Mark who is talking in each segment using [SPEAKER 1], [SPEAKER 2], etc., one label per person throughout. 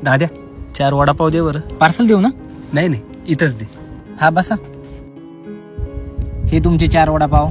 [SPEAKER 1] दाद्या 4 वडापाव दे बरं.
[SPEAKER 2] पार्सल देऊ ना?
[SPEAKER 1] नाही नाही, इथंच दे.
[SPEAKER 2] हा बसा. हे तुमचे 4 वडापाव.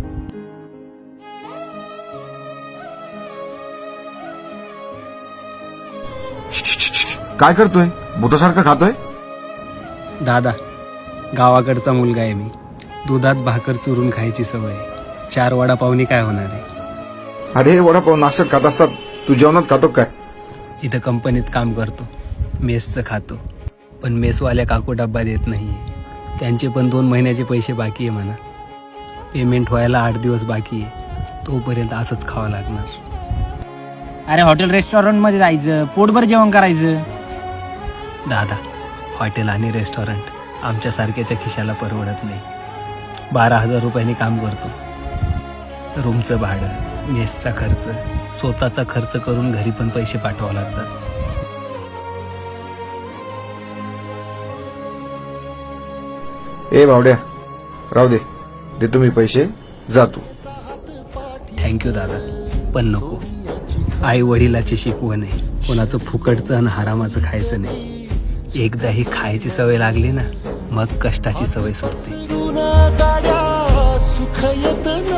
[SPEAKER 3] काय करतोय? भूतासारखं खातोय?
[SPEAKER 1] दादा, गावाकडचा मुलगा आहे मी. दुधात भाकर चुरून खायची सवय आहे. 4 वडापावनी काय होणार आहे?
[SPEAKER 3] अरे वडापाव नाश्त्यात खात असतात, तू जेवणात खातो काय?
[SPEAKER 1] इथं कंपनीत काम करतो, मेसचं खातो. पण मेसवाल्या काकू डब्बा देत नाही. त्यांचे पण 2 महिन्याचे पैसे बाकी आहे म्हणा. पेमेंट व्हायला 8 दिवस बाकी आहे. तोपर्यंत असंच खावं लागणार.
[SPEAKER 2] अरे हॉटेल रेस्टॉरंटमध्ये जायचं, पोटभर जेवण करायचं.
[SPEAKER 1] दादा, हॉटेल आणि रेस्टॉरंट आमच्यासारख्याच्या खिशाला परवडत नाही. 12,000 रुपयांनी काम करतो. रूमचं भाडं, मेसचा खर्च, स्वतःचा खर्च करून घरी पण पैसे पाठवावं लागतात.
[SPEAKER 3] ए भावड्या, राहू दे, देतो मी पैसे, जा तू.
[SPEAKER 1] थँक्यू दादा, पण नको. आई वडिलाची शिकवण आहे, कोणाचं फुकटचं आणि हरामाचं खायचं नाही. एकदा ही खायची सवय लागली ना, मग कष्टाची सवय सुटते.
[SPEAKER 4] सुख येत